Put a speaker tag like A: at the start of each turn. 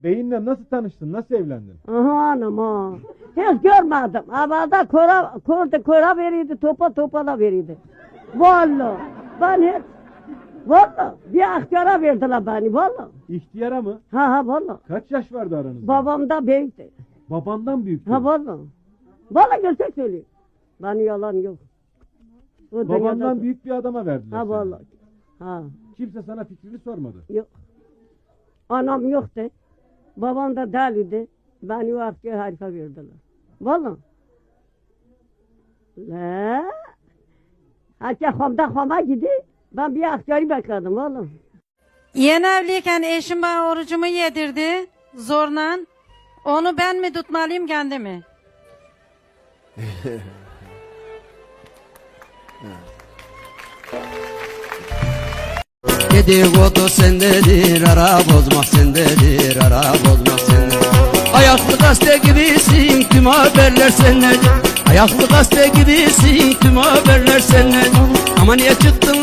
A: Beyinle nasıl tanıştın? Nasıl evlendin?
B: Aha anam ha. Hiç görmedim. Evvelde kora verirdi, topa da verirdi. Vallahi ben hiç, vallahi bir aktiyara verdiler beni vallahi.
A: İhtiyara mı?
B: Ha vallahi.
A: Kaç yaş vardı aranızda?
B: Babam da büyüktü.
A: Babandan büyük.
B: Ha vallahi. Vallahi gerçek söylüyor. Bana yalan yok. O
A: Babandan
B: dünyada-
A: büyük bir adama verdiler
B: Ha
A: seni.
B: vallahi. Ha
A: Kimse sana fikrini sormadı.
B: yok. Anam yoktu. Babam da deliydi. Beni o asker harife verdiler. Vallahi. La. Hatta xoma gidi. Ben bir askeri bekledim vallahi.
C: Yeni evliyken eşim bana orucumu yedirdi zorla. Onu ben mi tutmalıyım kendi mi?
D: Dedikodu sendedir, ara bozmak sendedir, ara bozmak sendedir. Ayaklı gazete gibisin, tüm haberler senden. Ayaklı gazete gibisin, tüm haberler senden. Ama niye çıktın